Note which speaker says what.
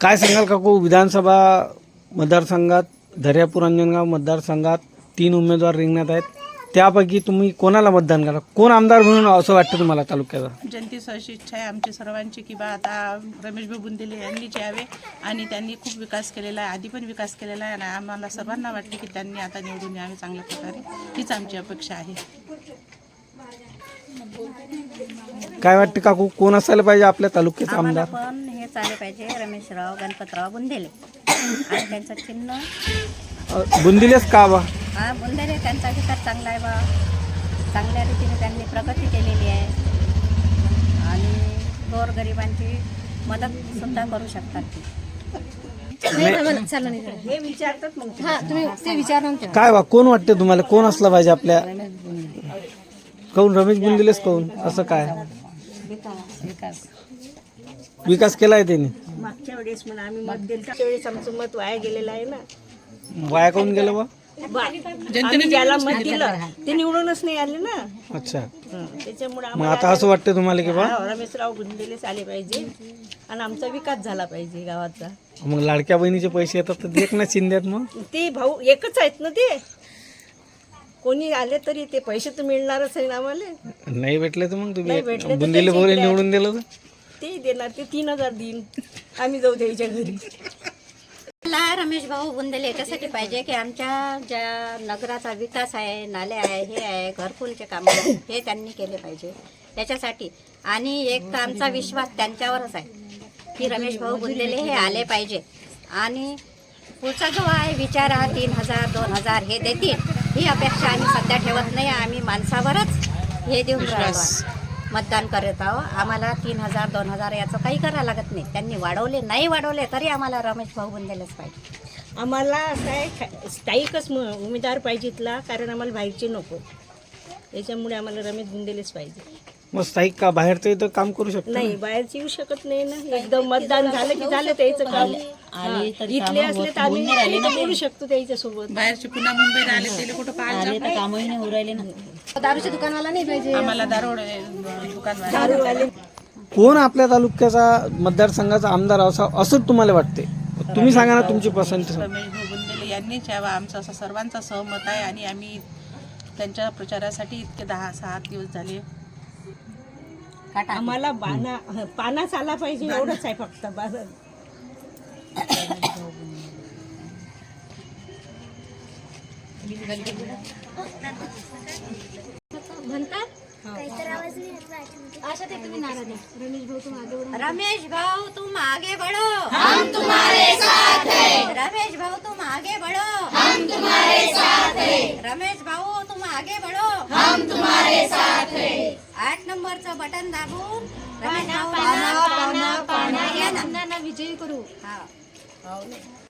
Speaker 1: काय सांगाल काकू, विधानसभा मतदारसंघात दर्यापूर अंजनगाव मतदारसंघात 3 उमेदवार रिंगणात आहेत. त्यापैकी तुम्ही कोणाला मतदान करा? कोण आमदार म्हणून असं वाटतं तुम्हाला तालुक्याचा?
Speaker 2: जनतेची अशी इच्छा आहे आमची सर्वांची की बा आता रमेशभाऊ बुंदेले यांनीच यावे आणि त्यांनी खूप विकास केलेला आहे, आधी पण विकास केलेला आहे आणि आम्हाला सर्वांना वाटते की त्यांनी आता निवडून यावे चांगल्या प्रकारे. हीच आमची अपेक्षा आहे.
Speaker 1: काय वाटते काकू, कोण असायला पाहिजे आपल्या तालुक्याचा आमदार?
Speaker 3: पण हे चाले पाहिजे रमेशराव गणपतराव बुंदेले आणि त्यांचं चिन्ह
Speaker 1: बुंदिलेच का बा?
Speaker 3: हा बुंदेले. त्यांचा विकास चांगला आहे बा, चांगल्या रीतीने त्यांनी प्रगती केलेली आहे आणि गोरगरिबांची मदत सुद्धा करू शकतात ती.
Speaker 1: काय बा, कोण वाटते तुम्हाला, कोण असला पाहिजे आपल्या? काऊन रमेश बुंदिलेच काऊन असं काय? विकास केलाय त्यांनी.
Speaker 4: मागच्या वेळेस म्हणा आम्ही मत दिलं, त्याच्या वेळेस आमचं मत वाया गेलेलं आहे ना.
Speaker 1: वाया काऊन गेलं बा?
Speaker 4: आम्ही ज्याला मत दिलं ते निवडूनच नाही आले ना.
Speaker 1: अच्छा,
Speaker 4: त्याच्यामुळे
Speaker 1: मग आता असं वाटतं तुम्हाला की बा
Speaker 4: रमेशराव बुंदेलेच आले पाहिजे आणि आमचा विकास झाला पाहिजे गावाचा.
Speaker 1: मग लाडक्या बहिणीचे पैसे येतात तर एकनाथ शिंदे आहेत. मग
Speaker 4: ते भाऊ एकच आहेत ना, ते कोणी आले तरी ते पैसे तर मिळणारच आहे ना आम्हाला.
Speaker 1: नाही भेटले तर मग
Speaker 4: नाही भेटले
Speaker 1: तुम्ही
Speaker 4: तर
Speaker 1: बुंदिले
Speaker 4: त्याचे
Speaker 1: बोले
Speaker 4: इकडे
Speaker 1: निवडून दिलं तर
Speaker 4: ते देणार, ते 3000 देईन, आम्ही जाऊ द्यायच्या घरी.
Speaker 3: मला रमेश भाऊ बुंदेले याच्यासाठी पाहिजे की आमच्या ज्या नगराचा विकास आहे, नाले आहे, हे आहे, घरकुलचे कामं आहे, हे त्यांनी केले पाहिजे त्याच्यासाठी. आणि एक तर आमचा विश्वास त्यांच्यावरच आहे की रमेश भाऊ बुंदेले हे आले पाहिजे आणि पुढचा जो आहे विचार हा 3000 2000 हे देतील ही अपेक्षा आम्ही सध्या ठेवत नाही. आम्ही माणसावरच हे देऊन राहिलो, मतदान करत आहो. आम्हाला 3000 2000 याचं काही करायला लागत नाही. त्यांनी वाढवले नाही वाढवले तरी आम्हाला रमेश भाऊ बुंदेलेच पाहिजे.
Speaker 4: आम्हाला काय स्थायिकच उमेदवार पाहिजे इथला, कारण आम्हाला बाहेरचे नको. त्याच्यामुळे आम्हाला रमेश बुंदेलेच पाहिजे.
Speaker 1: मग स्थायिक का बाहेरचं इथं काम करू शकतो?
Speaker 4: नाही, बाहेरचे येऊ शकत नाही ना. एकदम मतदान झालं की झालं त्याचं काम. इथले असले तर आम्ही करू शकतो त्याच्या सोबत.
Speaker 2: बाहेरचे पुन्हा मुंबईला आले त्याला कुठं पाहायला
Speaker 3: दारूच्या दुकानाला नाही पाहिजे
Speaker 2: आम्हाला दारोड दुकान
Speaker 4: दारूवाले
Speaker 1: कोण आपल्या तालुक्याचा मतदारसंघाचा आमदार असं तुम्हाला वाटते? तुम्ही सांगा ना तुमची पसंती.
Speaker 2: रमेशभाऊ बुंदेले यांनीच यावा आमचं असं सर्वांचा सहमत आहे आणि आम्ही त्यांच्या प्रचारासाठी इतके 10-6 दिवस झाले.
Speaker 4: आम्हाला पानाच आला पाहिजे एवढंच आहे फक्त.
Speaker 3: रमेश भाऊ तुम आगे बढ़ो, हम तुम्हारे साथ हैं. रमेश भाऊ तुम आगे बढ़ो, हम तुम्हारे साथ हैं. रमेश भाऊ तुम आगे बढ़ो, हम तुम्हारे साथ हैं. 8 नंबरचं बटन दाबून रमेश भाऊ पाना विजयी करू. हा.